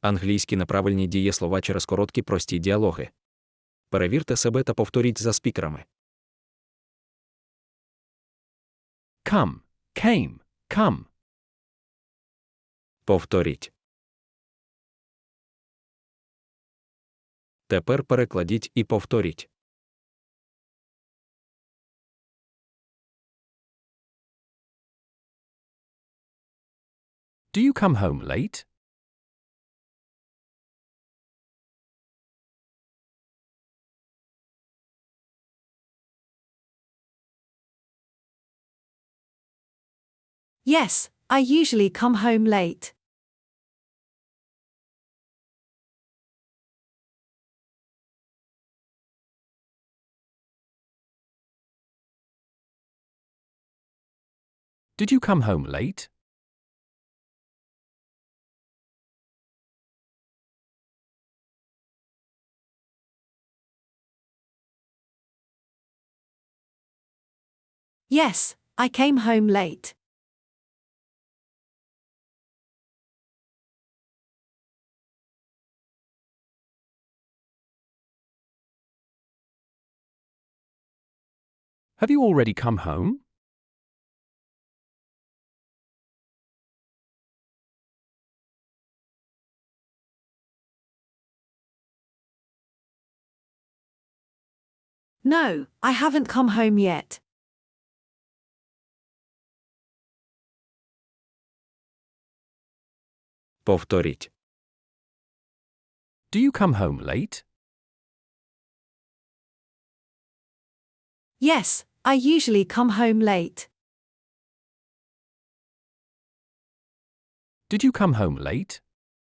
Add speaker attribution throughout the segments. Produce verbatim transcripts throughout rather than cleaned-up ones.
Speaker 1: Англійські неправильні дієслова через короткі прості діалоги. Перевірте себе та повторіть за спікерами.
Speaker 2: Come, came, come.
Speaker 1: Повторіть. Тепер перекладіть і повторіть.
Speaker 2: Do you come home late?
Speaker 3: Yes, I usually come home late.
Speaker 2: Did you come home late?
Speaker 3: Yes, I came home late.
Speaker 2: Have you already come home?
Speaker 3: No, I haven't come home yet.
Speaker 1: Повторіть.
Speaker 2: Do you come home late?
Speaker 3: Yes, I usually come home late.
Speaker 2: Did you come home late?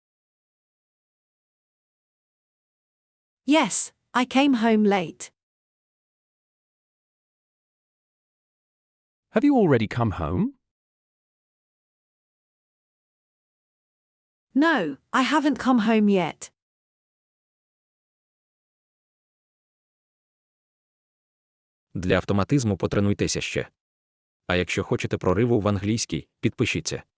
Speaker 3: Yes, I came home late.
Speaker 2: Have you already come home?
Speaker 3: No, I haven't come home yet.
Speaker 1: Для автоматизму потренуйтеся ще. А якщо хочете прориву в англійській, підпишіться.